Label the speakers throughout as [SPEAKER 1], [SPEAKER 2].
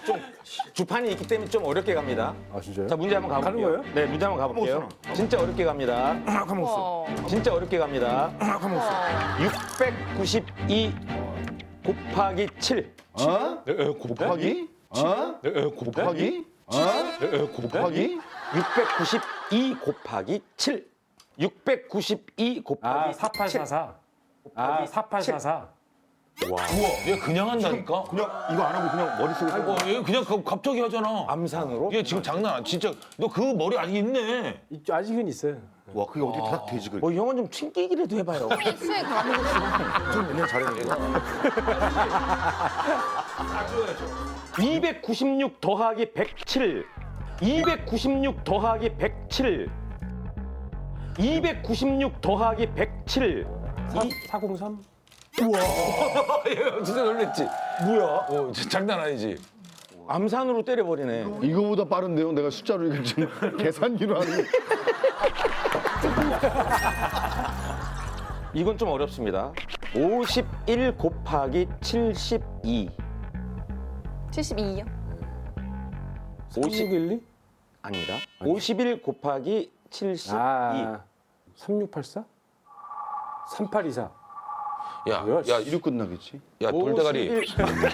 [SPEAKER 1] 좀 주판이 있기 때문에 좀 어렵게 갑니다.
[SPEAKER 2] 아 진짜요?
[SPEAKER 1] 자, 문제 한번 가볼게요.
[SPEAKER 2] 가는 거예요?
[SPEAKER 1] 네, 문제 한번 가볼게요. 진짜 어렵게 갑니다. 진짜 어렵게 갑니다. 692 곱하기 7.
[SPEAKER 3] 곱하기? 곱하기? 곱하기?
[SPEAKER 1] 692 곱하기 7. 692 곱하기 7.
[SPEAKER 2] 4844. 아 4844.
[SPEAKER 4] 얘 그냥 한다니까?
[SPEAKER 3] 그냥 이거 안 하고 그냥 머릿속에
[SPEAKER 4] 얘 그냥 갑자기 하잖아.
[SPEAKER 1] 암산으로?
[SPEAKER 4] 얘 지금 장난 아니야. 진짜 너 그 머리 아직 있네.
[SPEAKER 2] 아직은 있어요.
[SPEAKER 3] 와 그게 어떻게 다 되지 그게.
[SPEAKER 1] 뭐 형은 좀 튕기기라도 해봐요.
[SPEAKER 5] 수에 가는
[SPEAKER 3] 좀 옛날 잘했는데.
[SPEAKER 1] 296 더하기 107. 296 더하기 107. 296 더하기 107.
[SPEAKER 2] 403.
[SPEAKER 4] 진짜 놀랬지?
[SPEAKER 1] 뭐야?
[SPEAKER 4] 진짜 장난 아니지?
[SPEAKER 1] 암산으로 때려버리네.
[SPEAKER 3] 이거보다 빠른데요. 내가 숫자로 이거 지금 계산기로 하는 게.
[SPEAKER 1] 이건 좀 어렵습니다. 51 곱하기 72.
[SPEAKER 5] 72요?
[SPEAKER 2] 3612?
[SPEAKER 1] 아니다. 51 곱하기 72.
[SPEAKER 2] 아 3684? 3824.
[SPEAKER 4] 야,
[SPEAKER 2] 뭐야,
[SPEAKER 4] 야,
[SPEAKER 3] 이로 끝나겠지.
[SPEAKER 4] 야, 돌대가리.
[SPEAKER 1] 51.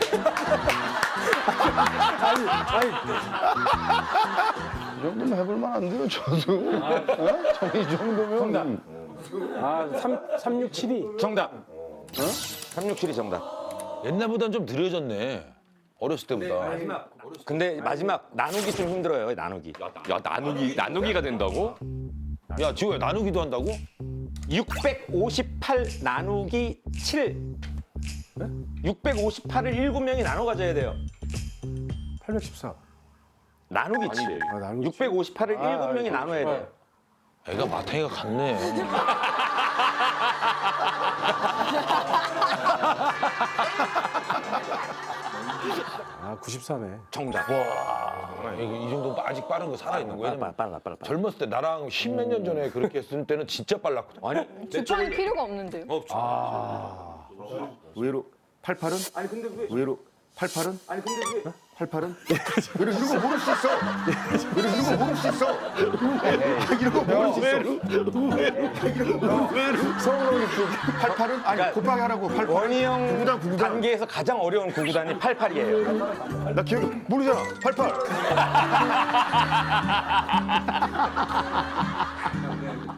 [SPEAKER 3] 이 정도면 해볼 만한데요, 저도. 어? 저는 이 정도면.
[SPEAKER 2] 정답. 아 3672.
[SPEAKER 1] 정답. 367이 정답.
[SPEAKER 4] 옛날보단 좀 느려졌네. 어렸을 때보다.
[SPEAKER 1] 근데 마지막 나누기 좀 힘들어요. 나누기.
[SPEAKER 6] 야 나누기가 된다고?
[SPEAKER 4] 야, 지호야, 나누기도 한다고?
[SPEAKER 1] 658 나누기 7. 658을 7명이 나눠 가져야 돼요.
[SPEAKER 2] 814.
[SPEAKER 1] 나누기 7.
[SPEAKER 2] 아, 나누기
[SPEAKER 1] 658을 7명이 나눠야 돼요.
[SPEAKER 4] 애가 마탱이가 같네.
[SPEAKER 2] 아 94네.
[SPEAKER 1] 정답.
[SPEAKER 4] 이 정도 아직 빠른 거 살아있는 거야.
[SPEAKER 1] 빨라.
[SPEAKER 4] 젊었을 때 나랑 십몇 년 전에 그렇게 했을 때는 진짜 빨랐거든.
[SPEAKER 1] 아니,
[SPEAKER 5] 주판이 필요가 없는데요?
[SPEAKER 3] 의외로 88은? 아니 근데 왜? 의외로 88은? 아니 근데 왜? 88은? 의외로 이런 거 모를 수 있어. 의외로 이런 거 모를 수 있어. 이런 거 모를 수 있어. 의외로. 서울로 88은? 아니 곱하기 하라고 88.
[SPEAKER 1] 원희 형
[SPEAKER 3] 구구단, 구구단.
[SPEAKER 1] 단계에서 가장 어려운 구구단이 88이에요.
[SPEAKER 3] 나 기억이 모르잖아. 88.